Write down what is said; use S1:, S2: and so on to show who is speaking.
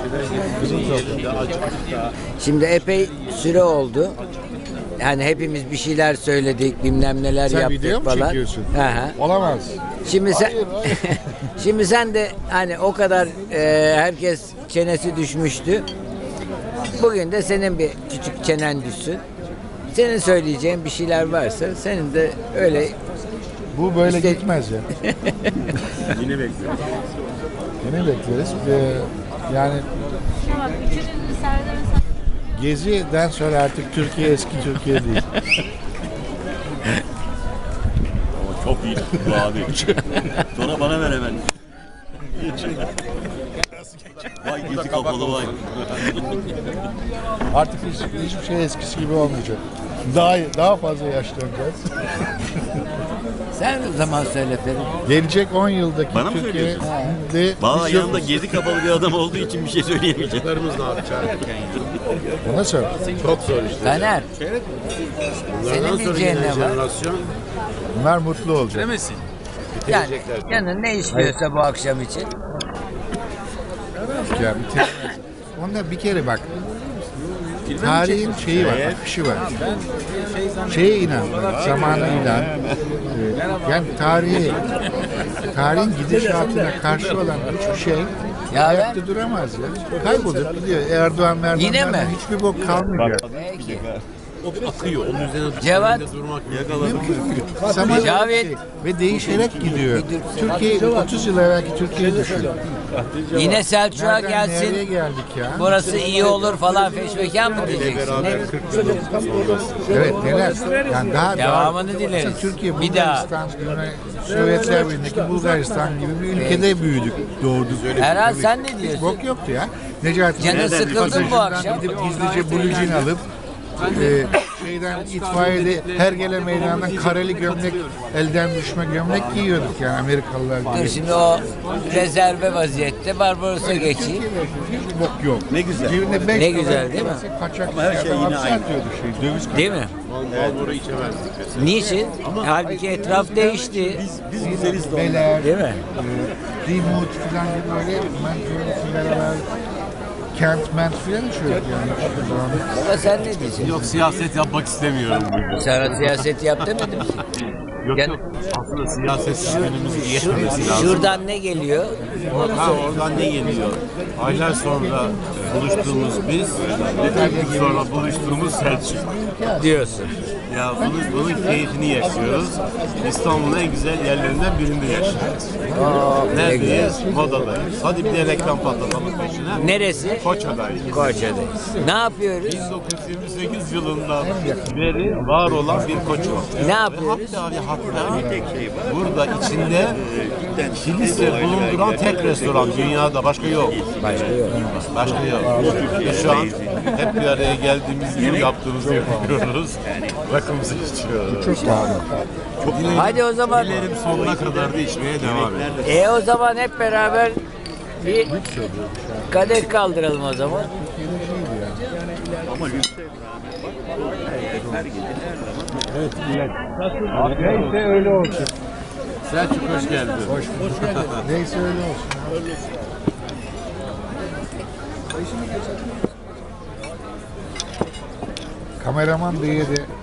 S1: Şimdi epey süre oldu. Yani hepimiz bir şeyler söyledik, bilmem neler
S2: Sen
S1: yaptık
S2: video mu
S1: falan.
S2: çekiyorsun?
S1: Hı hı.
S2: Olamaz.
S1: Şimdi sen şimdi sen de hani o kadar herkes çenesi düşmüştü. Bugün de senin bir küçük çenen düşsün. Senin söyleyeceğin bir şeyler varsa senin de öyle
S2: Bu böyle
S1: İşte-
S2: gitmez ya.
S3: Yine bekliyoruz.
S2: Yine bekleriz. Yani
S4: Tamam, üçünün Serdar'ın
S2: Gezi'den sonra artık Türkiye eski Türkiye değil.
S3: Ama çok iyi bu abi. Sonra bana ver hemen. Vay gözü kapalı vay.
S2: Artık hiçbir şey eskisi gibi olmayacak. Daha fazla yaşlanacağız.
S1: sen o zaman söyle Ferit.
S2: Gelecek 10 yıldaki
S3: Bana mı
S2: Türkiye'de
S3: Valla
S2: biz
S3: yanında
S2: yokuz.
S3: gezi kapalı bir adam olduğu için bir şey söyleyemeyeceğim.
S2: Ona sor.
S5: Çok zor işte.
S1: Taner, senin
S5: Bunlardan sonra
S1: diyeceğin
S5: gelen
S1: ne var?
S5: jenerasyon
S2: Bunlar mutlu olacak.
S1: Yani canın ne istiyorsa bu akşam için.
S2: Ya bitirmez. Onda bir kere bak. Tarihin şeyi var, akışı var. Şeye inan, zamana inan. Yani tarihin gidişatına karşı olan hiçbir şey
S1: Ya
S2: ayakta duramaz ya. Kaybolup gidiyor. Erdoğan
S1: Yine mi?
S2: hiçbir bok kalmayacak.
S1: Peki.
S5: o akıyor. Onun üzerine
S1: Cevat,
S5: durmak
S2: Zaman
S1: Cavit.
S2: ve değişerek gidiyor. Türkiye 30 yıl evvelki Türkiye düşün.
S1: yine Selçuk'a
S2: Nereden nereye
S1: gelsin.
S2: geldik ya?
S1: Burası iyi olur falan feşmekan mı diyeceksin? Ne?
S2: Evet neler? Yani daha
S1: Devamını
S2: daha,
S1: dileriz.
S2: Mesela Türkiye,
S1: Bir daha.
S2: Bulgaristan, Sovyetler Birliği'ndeki Bulgaristan gibi bir ülkede büyüdük, doğduk.
S1: Herhal
S2: Tabii.
S1: sen ne
S2: Hiç
S1: diyorsun?
S2: bok yoktu ya. Necati
S1: Canın
S2: Bey,
S1: sıkıldı mı bu
S2: pasajından
S1: akşam?
S2: Gidip gizlice blue jean alıp şeyden itfaiyede Hergele Meydanı'ndan kareli gömlek, elden düşme gömlek giyiyorduk yani Amerikalılar gibi.
S1: Dur şimdi o rezerve vaziyette Barbaros'a geçeyim.
S2: Hiç bok yok.
S3: Ne güzel.
S2: Cebinde 5
S1: Ne güzel değil mi?
S2: Kaçak
S3: Ama her şey yine
S2: hapse
S3: aynı.
S2: atıyordu döviz
S1: Değil mi?
S5: Marlboro içemezdik mesela.
S1: Niçin? Halbuki etraf değişti.
S3: Biz güzeliz de
S2: Beler,
S1: Değil mi?
S2: Dimut falan gibi böyle beraber Kent Ment falan içiyorduk yani.
S1: Baba sen ne diyeceksin?
S5: Yok siyaset yapmak istemiyorum bugün.
S1: Sana siyaset yap demedim ki.
S5: Yok
S1: Yani-
S5: yok. Aslında siyaset günümüzü geçmemesi lazım.
S1: Şuradan ne geliyor?
S5: Ha, oradan ne geliyor? Aylar sonra buluştuğumuz biz, bir gün sonra buluştuğumuz Selçuk.
S1: Diyorsun.
S5: Ya bunun keyfini yaşıyoruz. İstanbul'un en güzel yerlerinden birinde yaşıyoruz. Neredeyiz? Modadayız. Hadi bir de reklam patlatalım peşine.
S1: Neresi?
S5: Koçadayız.
S1: Koça'dayız. Ne yapıyoruz?
S5: 1928 yılından beri var olan bir koç var.
S1: Ne yapıyoruz?
S5: Hatta burada içinde kilise bulunduran tek restoran dünyada başka yok.
S1: Başka yok.
S5: Başka yok. Ve şu an hep bir araya geldiğimiz gibi yaptığımızı yapıyoruz. Rakımızı içiyoruz.
S2: Çok pahalı.
S1: Hadi o zaman.
S5: Dilerim sonuna kadar da içmeye devam edelim.
S1: O zaman hep beraber bir kadeh kaldıralım o zaman.
S2: Neyse öyle olsun.
S5: Selçuk hoş geldin.
S2: Neyse öyle olsun. Kameraman diye de